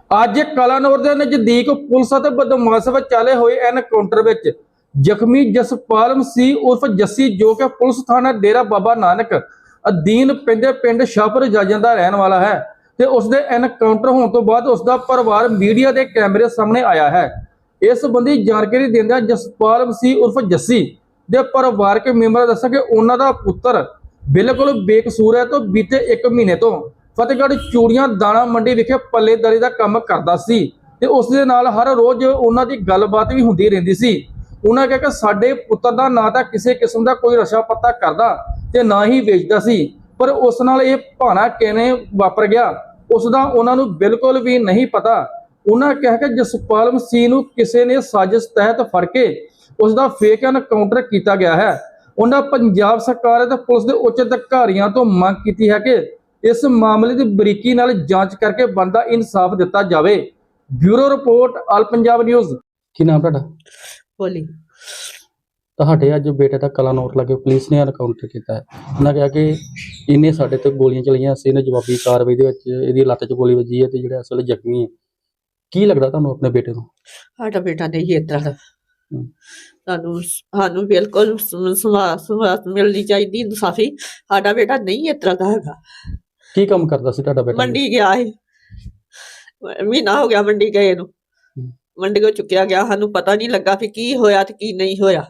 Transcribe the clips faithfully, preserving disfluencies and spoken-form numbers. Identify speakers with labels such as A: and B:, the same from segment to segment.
A: ਅੱਜ ਕਲਾਨੌਰ ਦੇ ਨਜ਼ਦੀਕ ਪੁਲਿਸ ਅਤੇ ਬਦਮਾਸ਼ ਵਿਚਾਲੇ ਹੋਏ ਐਨਕਾਊਂਟਰ ਵਿੱਚ ਜ਼ਖਮੀ ਜਸਪਾਲ ਮਸੀਹ ਉਰਫ ਜੱਸੀ, ਜੋ ਕਿ ਪੁਲਿਸ ਥਾਣਾ ਡੇਰਾ ਬਾਬਾ ਨਾਨਕ ਅਧੀਨ ਪੈਂਦੇ ਪਿੰਡ ਸ਼ਾਹਪੁਰ ਜਾਜਾਂ ਦਾ ਰਹਿਣ ਵਾਲਾ ਹੈ ਤੇ ਉਸ ਦੇ ਐਨਕਾਊਂਟਰ ਹੋਣ ਤੋਂ ਬਾਅਦ ਉਸ ਦਾ ਪਰਿਵਾਰ ਮੀਡੀਆ ਦੇ ਕੈਮਰੇ ਸਾਹਮਣੇ ਆਇਆ ਹੈ। ਇਸ ਸੰਬੰਧੀ ਜਾਣਕਾਰੀ ਦਿੰਦਿਆਂ ਜਸਪਾਲ ਮਸੀਹ ਉਰਫ ਜੱਸੀ ਦੇ ਪਰਿਵਾਰਕ ਮੈਂਬਰਾਂ ਦੱਸਿਆ ਕਿ ਉਹਨਾਂ ਦਾ ਪੁੱਤਰ ਬਿਲਕੁਲ ਬੇਕਸੂਰ ਹੈ ਤੋਂ ਬੀਤੇ ਇੱਕ ਮਹੀਨੇ ਤੋਂ ਫਤਿਹਗੜ੍ਹ ਚੂੜੀਆਂ ਦਾਣਾ ਮੰਡੀ ਵਿਖੇ ਪੱਲੇਦਾਰੀ ਦਾ ਕੰਮ ਕਰਦਾ ਸੀ ਤੇ ਉਸ ਦੇ ਨਾਲ ਹਰ ਰੋਜ਼ ਉਹਨਾਂ ਦੀ ਗੱਲਬਾਤ ਵੀ ਹੁੰਦੀ ਰਹਿੰਦੀ ਸੀ। ਉਹਨਾਂ ਕਿਹਾ ਕਿ ਸਾਡੇ ਪੁੱਤਰ ਦਾ ਨਾ ਤਾਂ ਕਿਸੇ ਕਿਸਮ ਦਾ ਕੋਈ ਨਸ਼ਾ ਪੱਤਾ ਕਰਦਾ ਤੇ ਨਾ ਹੀ ਵੇਚਦਾ ਸੀ, ਪਰ ਉਸ ਨਾਲ ਇਹ ਭਾਣਾ ਕਿਵੇਂ ਵਾਪਰ ਗਿਆ ਉਸ ਦਾ ਉਹਨਾਂ ਨੂੰ ਬਿਲਕੁਲ ਵੀ ਨਹੀਂ ਪਤਾ। ਉਹਨਾਂ ਕਿਹਾ ਕਿ ਜਸਪਾਲ ਮਸੀਹ ਨੂੰ ਕਿਸੇ ਨੇ ਸਾਜ਼ਿਸ਼ ਤਹਿਤ ਫੜ ਕੇ ਉਸ ਦਾ ਫੇਕ ਐਨਕਾਊਂਟਰ ਕੀਤਾ ਗਿਆ ਹੈ। ਉਹਨਾਂ ਪੰਜਾਬ ਸਰਕਾਰ ਅਤੇ ਪੁਲਿਸ ਦੇ ਉੱਚ ਅਧਿਕਾਰੀਆਂ ਤੋਂ ਮੰਗ ਕੀਤੀ ਹੈ ਕਿ ਇਸ ਮਾਮਲੇ ਦੀ ਬਰੀਕੀ ਨਾਲ ਜਾਂਚ ਕਰਕੇ ਬਣਦਾ ਇਨਸਾਫ ਦਿੱਤਾ ਜਾਵੇ। Bureau report, all Punjab news.
B: ਕੀ ਨਾਮ ਤੁਹਾਡਾ?
C: ਬੋਲੀ
B: ਤੁਹਾਡੇ ਅੱਜ ਬੇਟੇ ਦਾ ਕਲਾਨੌਰ ਲਾਗੇ ਪੁਲਿਸ ਨੇ ਐਨਕਾਊਂਟਰ ਕੀਤਾ ਹੈ। ਉਹਨਾਂ ਕਿਹਾ ਕਿ ਇਹਨੇ ਸਾਡੇ ਤੇ ਗੋਲੀਆਂ ਚਲਾਈਆਂ, ਅਸੀਂ ਇਹਨੇ ਜਵਾਬੀ ਕਾਰਵਾਈ ਦੇ ਵਿੱਚ ਇਹਦੀ ਲੱਤ 'ਚ ਗੋਲੀ ਵੱਜੀ ਹੈ ਤੇ ਜਿਹੜਾ ਅਸਲ ਜ਼ਖਮੀ ਹੈ। ਕੀ ਲੱਗਦਾ ਤੁਹਾਨੂੰ ਆਪਣੇ ਬੇਟੇ ਨੂੰ?
C: ਸਾਡਾ ਬੇਟਾ ਨਹੀਂ ਇਸ ਤਰ੍ਹਾਂ ਦਾ। ਸਾਨੂੰ ਸਾਨੂੰ ਬਿਲਕੁਲ ਸਵਾਸ ਮਿਲਣੀ ਚਾਹੀਦੀ, ਇਨਸਾਫੀ। ਸਾਡਾ ਬੇਟਾ ਨਹੀਂ ਇਸ ਤਰ੍ਹਾਂ ਦਾ ਹੈਗਾ।
B: ਕੀ ਕੰਮ ਕਰਦਾ ਸੀ ਤੁਹਾਡਾ ਬੇਟਾ?
C: ਮੰਡੀ ਗਿਆ ਸੀ, ਮਹੀਨਾ ਹੋ ਗਿਆ ਮੰਡੀ ਗਏ ਨੂੰ। ਮੰਡੀ ਕੋ ਚੁੱਕਿਆ ਗਿਆ, ਸਾਨੂੰ ਪਤਾ ਨਹੀਂ ਲੱਗਾ ਵੀ ਕੀ ਹੋਇਆ ਤੇ ਕੀ ਨਹੀਂ ਹੋਇਆ।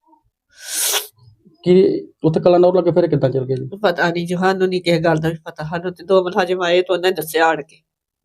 B: ਕੀ ਉੱਥੇ ਕਲਾਨੌਰ ਲਾਗੇ ਫਿਰ ਕਿੱਦਾਂ ਚੱਲ ਗਿਆ ਜੀ?
C: ਪਤਾ ਨਹੀਂ ਜੀ, ਸਾਨੂੰ ਨਹੀਂ ਕਿਸੇ ਗੱਲ ਦਾ ਵੀ ਪਤਾ। ਸਾਨੂੰ ਤੇ ਦੋ ਮੁਲਾਜ਼ਮ ਆਏ ਤੇ ਉਹਨੇ ਦੱਸਿਆ ਆਣ ਕੇ।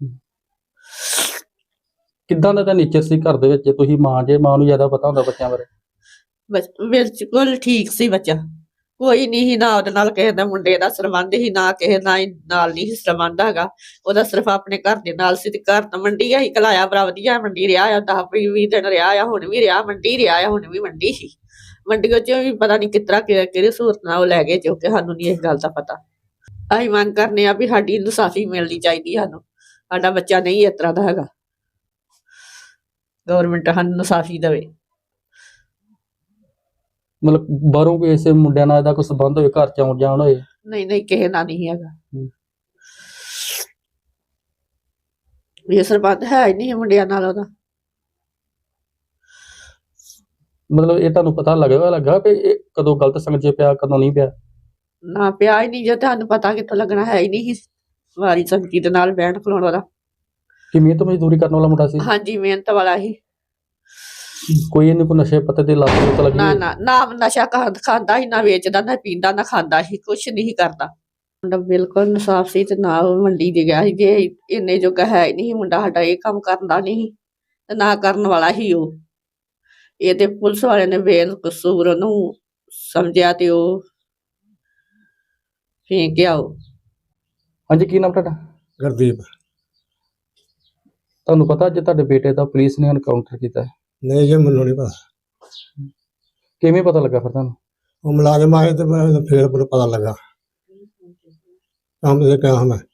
B: ਕਿੱਦਾਂ ਦਾ ਤਾਂ ਨੇਚਰ ਸੀ ਘਰ ਦੇ ਵਿੱਚ? ਤੁਸੀਂ ਮਾਂ ਜੇ, ਮਾਂ ਨੂੰ ਜ਼ਿਆਦਾ ਪਤਾ ਹੁੰਦਾ ਬੱਚਿਆਂ ਬਾਰੇ।
C: ਬਿਲਕੁਲ ਠੀਕ ਸੀ ਬੱਚਾ, ਕੋਈ ਨਹੀਂ ਸੀ ਨਾ ਉਹਦੇ ਨਾਲ ਕਿਸੇ ਦਾ ਮੁੰਡੇ ਦਾ ਸਰਬੰਧ ਹੀ, ਨਾ ਕਿਸੇ ਨਾਲ ਨਾਲ ਨਹੀਂ ਸਰਬੰਧ ਹੈਗਾ ਉਹਦਾ, ਸਿਰਫ ਆਪਣੇ ਘਰ ਦੇ ਨਾਲ ਸੀ। ਤੇ ਘਰ ਤਾਂ ਮੰਡੀ ਹੀ ਕਲਾਇਆ, ਬੜਾ ਵਧੀਆ ਮੰਡੀ ਰਿਹਾ ਆ, ਦਸ ਵੀਹ ਦਿਨ ਰਿਹਾ ਆ, ਹੁਣ ਵੀ ਰਿਹਾ ਮੰਡੀ ਰਿਹਾ ਆ, ਹੁਣ ਵੀ ਮੰਡੀ ਸੀ। ਮੰਡੀਆਂ ਚ ਵੀ ਪਤਾ ਨਹੀਂ ਕਿਸ ਤਰ੍ਹਾਂ ਕਿਹੜੀ ਸਹੂਲਤ ਨਾਲ ਉਹ ਲੈ ਗਏ, ਜੋ ਕਿ ਸਾਨੂੰ ਨਹੀਂ ਇਸ ਗੱਲ ਦਾ ਪਤਾ। ਅਸੀਂ ਮੰਗ ਕਰਨੇ ਆ ਵੀ ਸਾਡੀ ਇਨਸਾਫੀ ਮਿਲਣੀ ਚਾਹੀਦੀ। ਸਾਨੂੰ ਸਾਡਾ ਬੱਚਾ ਨਹੀਂ ਇਸ ਤਰ੍ਹਾਂ ਦਾ ਹੈਗਾ, ਗੌਰਮੈਂਟ ਸਾਨੂੰ ਇਨਸਾਫੀ ਦੇਵੇ।
B: ਮਤਲਬ ਬਾਹਰੋਂ ਕੋਈ ਐਸੇ ਮੁੰਡਿਆਂ ਨਾਲ ਇਹਦਾ ਕੋਈ ਸੰਬੰਧ ਹੋਵੇ, ਘਰ ਚ ਆਉਣ ਜਾਣ ਹੋਏ?
C: ਨਹੀਂ ਨਹੀਂ, ਕਿਸੇ ਨਾਲ ਨਹੀਂ ਹੈਗਾ। ਇਹ ਸਰਬੰਧ ਹੈ ਹੀ ਨਹੀਂ ਮੁੰਡਿਆਂ ਨਾਲ ਉਹਦਾ।
B: ਮਤਲਬ ਇਹ ਤੁਹਾਨੂੰ ਪਤਾ ਲੱਗੇਗਾ ਲੱਗਾ ਕਿ ਇਹ ਕਦੋਂ ਗਲਤ ਸੰਗਤ 'ਚ ਪਿਆ, ਕਦੋਂ ਨਹੀਂ ਪਿਆ?
C: ਨਾ ਪਿਆ ਹੀ ਨਹੀਂ, ਜੇ ਤੁਹਾਨੂੰ ਪਤਾ ਕਿੱਥੋਂ ਲੱਗਣਾ, ਹੈ ਹੀ ਨਹੀਂ ਵਾਰੀ ਸੰਗਤੀ ਦੇ ਨਾਲ ਬਹਿਣ ਖਲੋਣ ਵਾਲਾ।
B: ਕਿ ਮਿਹਨਤ ਮਜ਼ਦੂਰੀ ਕਰਨ ਵਾਲਾ ਮੁੰਡਾ ਸੀ?
C: ਹਾਂਜੀ, ਮਿਹਨਤ ਵਾਲਾ ਹੀ।
B: ਕੋਈ ਇਹਨੂੰ ਕੋਈ ਨਸ਼ੇ ਪੱਤੇ ਦੀ ਲੱਤ ਲੁੱਤ ਲੱਗੀ?
C: ਨਾ ਨਾ ਨਾ, ਨਸ਼ਾ ਖਾਂਦਾ ਹੀ, ਨਾ ਵੇਚਦਾ, ਨਾ ਪੀਂਦਾ, ਨਾ ਖਾਂਦਾ ਹੀ, ਕੁਛ ਨਹੀਂ ਕਰਦਾ। ਮੁੰਡਾ ਬਿਲਕੁਲ ਇਨਸਾਫ ਸੀ ਤੇ ਨਾ ਉਹ ਮੰਡੀ ਦੇ ਗਿਆ ਸੀ। ਜੇ ਇੰਨੇ ਜੋਗਾ ਹੈ ਹੀ ਨਹੀਂ ਮੁੰਡਾ ਸਾਡਾ, ਇਹ ਕੰਮ ਕਰਦਾ ਨਹੀਂ ਤੇ ਨਾ ਕਰਨ ਵਾਲਾ ਹੀ ਉਹ। ਇਹ ਤੇ ਪੁਲਿਸ ਵਾਲਿਆਂ ਨੇ ਬੇਕਸੂਰ ਉਹਨੂੰ ਸਮਝਿਆ ਤੇ ਉਹ ਫੇਂਕਿਆ ਉਹ।
B: ਹਾਂਜੀ, ਕੀ ਨਾਮ ਤੁਹਾਡਾ?
D: ਗੁਰਦੀਪ।
B: ਤੁਹਾਨੂੰ ਪਤਾ ਅੱਜ ਤੁਹਾਡੇ ਬੇਟੇ ਦਾ ਪੁਲਿਸ ਨੇ ਐਨਕਾਊਂਟਰ ਕੀਤਾ?
D: ਨਹੀਂ ਜੀ, ਮੈਨੂੰ ਨਹੀਂ ਪਤਾ।
B: ਕਿਵੇਂ ਪਤਾ ਲੱਗਾ ਫਿਰ ਤੁਹਾਨੂੰ?
D: ਉਹ ਮੁਲਾਜ਼ਮ ਆਏ ਤੇ ਮੈਂ ਫਿਰ ਪਤਾ ਲੱਗਾ। ਕੰਮ ਤੇ ਕਿਹਾ ਮੈਂ।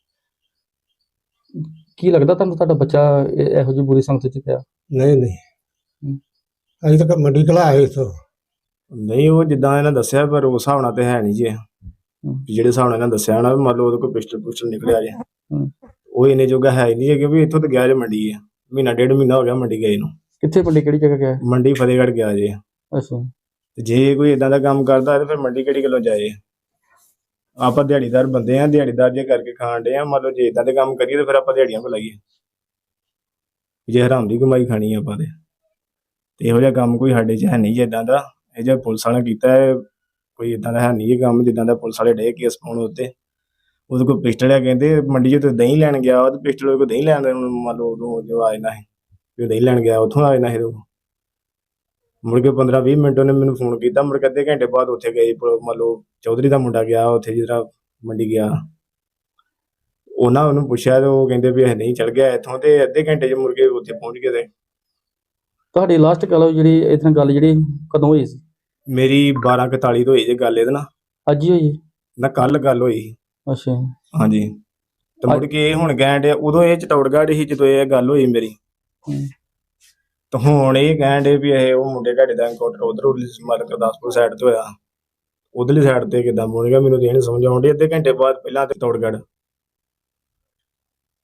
B: ਕੀ ਲੱਗਦਾ ਤੁਹਾਨੂੰ ਤੁਹਾਡਾ ਬੱਚਾ ਇਹੋ ਜਿਹੀ ਬੁਰੀ ਸੰਗਤ 'ਚ ਪਿਆ?
D: ਨਹੀਂ ਨਹੀਂ, ਅਸੀਂ ਤਾਂ ਮੰਡੀ ਘਲਾਇਆ ਇੱਥੋਂ।
E: ਨਹੀਂ, ਉਹ ਜਿੱਦਾਂ ਇਹਨਾਂ ਦੱਸਿਆ, ਪਰ ਉਸ ਹਿਸਾਬ ਨਾਲ ਤੇ ਹੈ ਨਹੀਂ ਜੀ। ਜਿਹੜੇ ਹਿਸਾਬ ਨਾਲ ਇਹਨਾਂ ਦੱਸਿਆ ਨਾ, ਮੰਨ ਲਓ ਉਹਦੇ ਕੋਲ ਪਿਸਟਲ ਪੁਸਟਲ ਨਿਕਲਿਆ ਜੇ, ਉਹ ਇੰਨੇ ਜੋਗਾ ਹੈ ਹੀ ਨਹੀਂ ਹੈ। ਕਿਉਂਕਿ ਇੱਥੋਂ ਤਾਂ ਗਿਆ ਜੇ ਮੰਡੀ ਹੈ, ਮਹੀਨਾ ਡੇਢ ਮਹੀਨਾ ਹੋ ਗਿਆ ਮੰਡੀ ਗਏ ਨੂੰ।
B: ਕਿੱਥੇ ਮੰਡੀ, ਕਿਹੜੀ ਜਗ੍ਹਾ ਗਿਆ?
E: ਮੰਡੀ ਫਤਿਹਗੜ੍ਹ ਗਿਆ ਜੇ।
B: ਅੱਛਾ।
E: ਤੇ ਜੇ ਕੋਈ ਇਦਾਂ ਦਾ ਕੰਮ ਕਰਦਾ ਤੇ ਫਿਰ ਮੰਡੀ ਕਿਹੜੀ ਗੱਲੋਂ ਜਾਏ? ਆਪਾਂ ਦਿਹਾੜੀਦਾਰ ਬੰਦੇ ਆ, ਦਿਹਾੜੀਦਾਰ ਜੇ ਕਰਕੇ ਖਾਣ ਡੇ ਆ। ਮੰਨ ਲਓ ਜੇ ਇਦਾਂ ਦੇ ਕੰਮ ਕਰੀਏ ਤੇ ਫਿਰ ਆਪਾਂ ਦਿਹਾੜੀਆਂ ਕੋ ਲਾਈਏ? ਜੇ ਹਰਾਮ ਦੀ ਕਮਾਈ ਖਾਣੀ ਆਪਾਂ ਤੇ ਤੇ ਇਹੋ ਜਿਹਾ ਕੰਮ ਕੋਈ ਸਾਡੇ 'ਚ ਹੈ ਨਹੀਂ ਜੀ ਇਦਾਂ ਦਾ। ਇਹ ਜਿਹੜਾ ਪੁਲਿਸ ਵਾਲਿਆਂ ਕੀਤਾ ਹੈ, ਕੋਈ ਇਦਾਂ ਦਾ ਹੈ ਨਹੀਂ ਇਹ ਕੰਮ ਜਿੱਦਾਂ ਦਾ ਪੁਲਿਸ ਵਾਲੇ ਡੇ ਕੇਸ ਪਾਉਣ ਉੱਤੇ। ਉਹਦੇ ਕੋਲ ਪਿਸਟਲ ਹੈ, ਕਹਿੰਦੇ ਮੰਡੀ 'ਚ ਦਹੀਂ ਲੈਣ ਗਿਆ ਉਹ, ਤੇ ਪਿਸਟਲ ਉਹਦੇ ਕੋਲ ਦਹੀਂ ਲੈਣ, ਮੰਨ ਲਓ ਉਦੋਂ ਜੋ ਆ ਜਾਣਾ ਸੀ ਵੀ ਉਹ ਦਹੀਂ ਲੈਣ ਗਿਆ, ਉੱਥੋਂ ਆ ਜਾਣਾ ਸੀ। ਮੁੜ ਕੇ ਪੰਦਰਾਂ ਵੀਹ ਮਿੰਟ ਉਹਨੇ ਮੈਨੂੰ ਫੋਨ ਕੀਤਾ। ਮੁੜ ਕੇ ਅੱਧੇ ਘੰਟੇ ਬਾਅਦ ਉੱਥੇ ਗਏ, ਮੰਨ ਲਓ ਚੌਧਰੀ ਦਾ ਮੁੰਡਾ ਗਿਆ ਉੱਥੇ, ਜਿਹੜਾ ਮੰਡੀ ਗਿਆ। ਉਹਨਾਂ ਉਹਨੂੰ ਪੁੱਛਿਆ ਤੇ ਉਹ ਕਹਿੰਦੇ ਵੀ ਇਹ ਨਹੀਂ ਚਲ ਗਿਆ ਇੱਥੋਂ, ਤੇ ਅੱਧੇ ਘੰਟੇ 'ਚ ਮੁੜ ਕੇ ਉੱਥੇ ਪਹੁੰਚ ਗਏ। ਤੇ
B: ਤੁਹਾਡੀ ਲਾਸਟ ਗੱਲ ਜਿਹੜੀ ਇਹਦੇ ਨਾਲ ਗੱਲ ਜਿਹੜੀ ਕਦੋਂ ਹੋਈ ਸੀ?
E: ਮੇਰੀ ਬਾਰਾਂ ਇਕਤਾਲੀ ਤੋਂ ਹੋਈ ਜੇ ਗੱਲ ਇਹਦੇ ਨਾਲ।
B: ਅੱਜ ਹੀ ਹੋਈ
E: ਨਾ ਕੱਲ ਗੱਲ ਹੋਈ।
B: ਅੱਛਾ।
E: ਹਾਂਜੀ। ਤੇ ਮੁੜ ਕੇ ਇਹ ਹੁਣ ਕਹਿਣ ਡਿਆ, ਉਦੋਂ ਇਹ ਚਤੌੜਗੜ੍ਹ ਸੀ ਜਦੋਂ ਇਹ ਗੱਲ ਹੋਈ ਮੇਰੀ। ਤੇ ਹੁਣ ਇਹ ਕਹਿਣ ਡੇ ਵੀ ਇਹ ਉਹ ਮੁੰਡੇ ਤੁਹਾਡੇ ਦਾ ਐਨਕਾਊਂਟਰ ਉਧਰ ਮਤਲਬ ਗੁਰਦਾਸਪੁਰ ਸਾਈਡ ਤੇ ਹੋਇਆ, ਉਧਰਲੀ ਸਾਈਡ ਤੇ ਕਿੱਦਾਂ ਬੋਲ ਗਿਆ ਮੈਨੂੰ ਤੇ ਇਹ ਨੀ ਸਮਝ ਆਉਣ ਡਈ। ਅੱਧੇ ਘੰਟੇ ਬਾਅਦ ਪਹਿਲਾਂ ਤੇ ਚਤੌੜਗੜ੍ਹ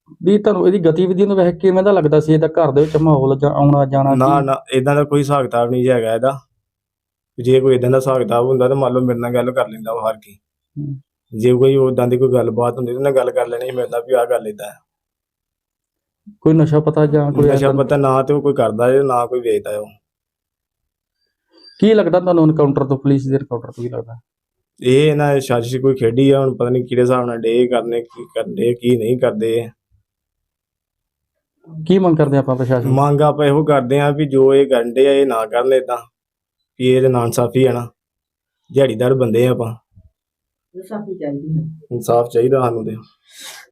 B: ਵੀ ਤੁਹਾਨੂੰ ਇਹਦੀ ਗਤੀਵਿਧੀ ਨੂੰ ਵੇਖ ਕੇ ਕਿਵੇਂ ਦਾ ਲੱਗਦਾ ਸੀ ਇਹਦਾ ਘਰ ਦੇ ਵਿੱਚ ਮਾਹੌਲ ਜਾਂ ਆਉਣਾ ਜਾਣਾ
E: ਨਾ
B: ਕੀ?
E: ਨਾ ਇਦਾਂ ਦਾ ਕੋਈ ਹਿਸਾਬ ਕਿਤਾਬ ਨਹੀਂ ਹੈਗਾ ਇਹਦਾ। ਜੇ ਕੋਈ ਇਦਾਂ ਦਾ ਹਿਸਾਬ ਕਿਤਾਬ ਹੁੰਦਾ ਤਾਂ ਮੰਨ ਲਓ ਮੇਰੇ ਨਾਲ ਗੱਲ ਕਰ ਲੈਂਦਾ ਉਹ ਹਰ ਕੀ।
B: ਹੂੰ।
E: ਜੇ ਕੋਈ ਉਦਾਂ ਦੀ ਕੋਈ ਗੱਲਬਾਤ ਹੁੰਦੀ ਤਾਂ ਉਹਨੇ ਗੱਲ ਕਰ ਲੈਣੀ ਸੀ ਮੇਰੇ ਨਾਲ ਵੀ ਆਹ ਗੱਲ ਏਦਾਂ ਹੈ।
B: ਕੋਈ ਨਸ਼ਾ ਪਤਾ ਜਾਂ ਕੋਈ
E: ਨਸ਼ਾ
B: ਏਦਾਂ-
E: ਪਤਾ ਨਾ ਤੇ ਉਹ ਕੋਈ ਕਰਦਾ ਹੈ ਨਾ ਕੋਈ ਵੇਚਦਾ ਉਹ।
B: ਕੀ ਲੱਗਦਾ ਤੁਹਾਨੂੰ ਐਨਕਾਊਂਟਰ ਤੋਂ, ਪੁਲਿਸ ਦੇ ਐਨਕਾਊਂਟਰ ਤੋਂ ਕੀ ਲੱਗਦਾ?
E: ਇਹ ਇਹਨਾਂ ਦੀ ਸਾਜ਼ਿਸ਼ ਕੋਈ ਖੇਡੀ ਆ, ਹੁਣ ਪਤਾ ਨਹੀਂ ਕਿਹੜੇ ਹਿਸਾਬ ਨਾਲ ਡੇ ਕਰਨੇ, ਕੀ ਕਰਦੇ ਕੀ ਨਹੀਂ ਕਰਦੇ।
B: ਕੀ ਮੰਗ ਕਰਦੇ ਆਪਾਂ ਪ੍ਰਸ਼ਾਸਨ ਤੋਂ?
E: ਮੰਗ ਆਪਾਂ ਇਹੋ ਕਰਦੇ ਆ ਵੀ ਜੋ ਇਹ ਕਰਨ ਡੇ ਆ ਇਹ ਨਾ ਕਰਨ ਏਦਾਂ, ਵੀ ਇਹ ਨਾ ਇਨਸਾਫੀ ਆ ਨਾ, ਦਿਹਾੜੀਦਾਰ ਬੰਦੇ ਆ ਆਪਾਂ,
C: ਇਨਸਾਫੀ ਚਾਹੀਦੀ ਹੈ।
E: ਇਨਸਾਫ ਚਾਹੀਦਾ ਸਾਨੂੰ ਤੇ।